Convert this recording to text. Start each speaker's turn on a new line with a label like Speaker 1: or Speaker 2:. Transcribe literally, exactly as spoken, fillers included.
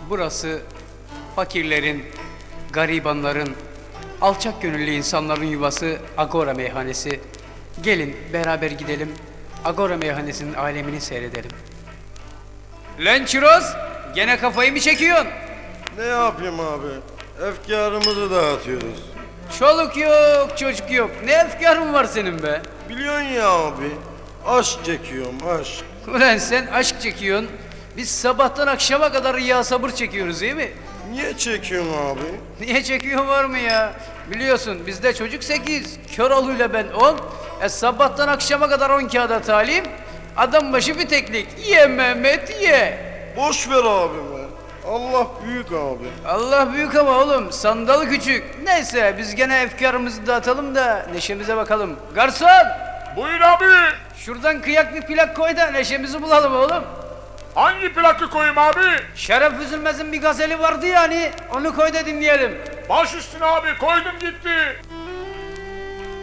Speaker 1: Burası fakirlerin, garibanların, alçak gönüllü insanların yuvası Agora Meyhanesi. Gelin beraber gidelim, Agora Meyhanesi'nin alemini seyredelim. Lan Çiroz, gene kafayı mı çekiyorsun?
Speaker 2: Ne yapayım abi? Efkarımızı dağıtıyoruz.
Speaker 1: Çoluk yok, çocuk yok. Ne efkarın var senin be?
Speaker 2: Biliyorsun ya abi. Aşk çekiyorum aşk.
Speaker 1: Ulan sen aşk çekiyorsun. Biz sabahtan akşama kadar ya sabır çekiyoruz değil mi?
Speaker 2: Niye çekiyorsun abi?
Speaker 1: Niye çekiyorsun var mı ya? Biliyorsun bizde çocuk sekiz, Köroğlu'yla ben on. E sabahtan akşama kadar on kağıda talim. Adam başı bir teklik. Ye Mehmet ye.
Speaker 2: Boş ver abime. Allah büyük abi.
Speaker 1: Allah büyük ama oğlum sandal küçük. Neyse biz gene efkarımızı dağıtalım da neşemize bakalım. Garson!
Speaker 3: Buyur abi.
Speaker 1: Şuradan kıyak bir plak koy da neşemizi bulalım oğlum.
Speaker 3: Hangi plakı koyayım abi?
Speaker 1: Şeref Üzülmez'in bir gazeli vardı ya hani onu koy da dinleyelim.
Speaker 3: Baş üstüne abi, koydum gitti.